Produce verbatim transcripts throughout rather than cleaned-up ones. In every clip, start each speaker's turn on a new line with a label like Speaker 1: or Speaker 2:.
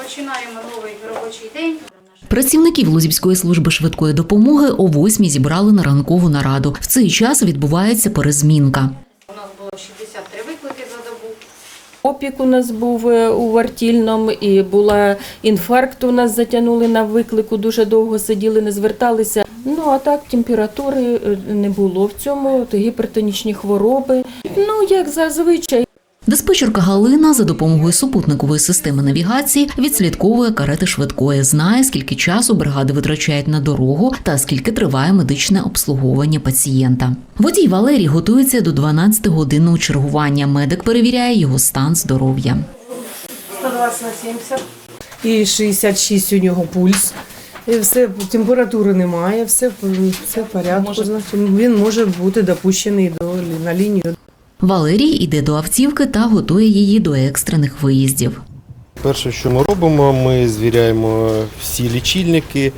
Speaker 1: Починаємо новий робочий день.
Speaker 2: Працівників Лозівської служби швидкої допомоги о восьмій зібрали на ранкову нараду. В цей час відбувається перезмінка.
Speaker 1: У нас було шістдесят три виклики за добу.
Speaker 3: Опік у нас був у Вартільному, і була інфаркт, у нас затягнули на виклику, дуже довго сиділи, не зверталися. Ну, а так, температури не було в цьому, гіпертонічні хвороби. Ну, як зазвичай.
Speaker 2: Диспетчерка Галина за допомогою супутникової системи навігації відслідковує карети швидкої, знає, скільки часу бригади витрачають на дорогу та скільки триває медичне обслуговування пацієнта. Водій Валерій готується до дванадцятигодинного чергування. Медик перевіряє його стан здоров'я.
Speaker 3: сто двадцять на сімдесят. І шістдесят шість у нього пульс. І все, температури немає, все, все в порядку. Значить, він може бути допущений до, на лінію.
Speaker 2: Валерій іде до автівки та готує її до екстрених виїздів.
Speaker 4: Перше, що ми робимо, ми звіряємо всі лічильники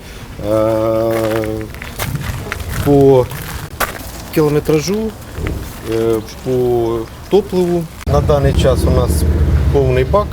Speaker 4: по кілометражу, по топливу. На даний час у нас повний бак.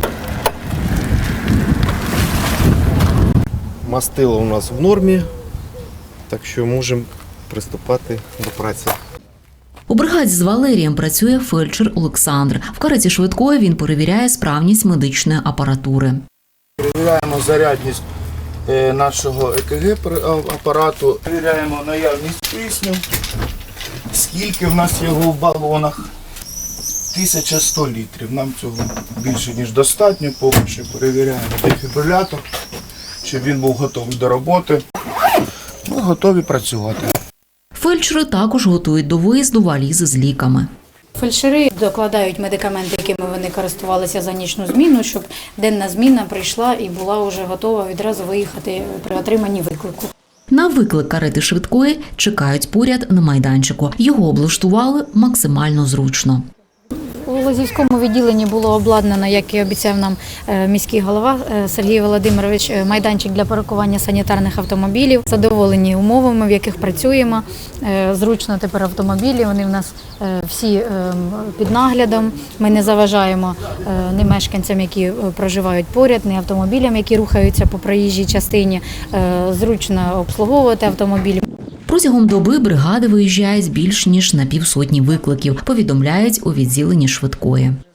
Speaker 4: Мастило у нас в нормі, так що можемо приступати до праці.
Speaker 2: У бригаді з Валерієм працює фельдшер Олександр. В кареті швидкої він перевіряє справність медичної апаратури.
Speaker 5: Перевіряємо зарядність нашого ЕКГ апарату, перевіряємо наявність кисню, скільки в нас його в балонах. тисяча сто літрів. Нам цього більше ніж достатньо. Поки що перевіряємо дефібрилятор, щоб він був готовий до роботи. Ми готові працювати.
Speaker 2: Фельдшери також готують до виїзду валізи з ліками.
Speaker 1: Фельдшери докладають медикаменти, якими вони користувалися за нічну зміну, щоб денна зміна прийшла і була вже готова відразу виїхати при отриманні виклику.
Speaker 2: На виклик карети швидкої чекають поряд на майданчику. Його облаштували максимально зручно.
Speaker 1: У Лозівському відділенні було обладнано, як і обіцяв нам міський голова Сергій Володимирович, майданчик для паркування санітарних автомобілів. Задоволені умовами, в яких працюємо. Зручно тепер автомобілі, вони в нас всі під наглядом. Ми не заважаємо ні мешканцям, які проживають поряд, ні автомобілям, які рухаються по проїжджій частині. Зручно обслуговувати автомобілі.
Speaker 2: Протягом доби бригади виїжджають більш ніж на півсотні викликів, повідомляють у відділенні швидкої.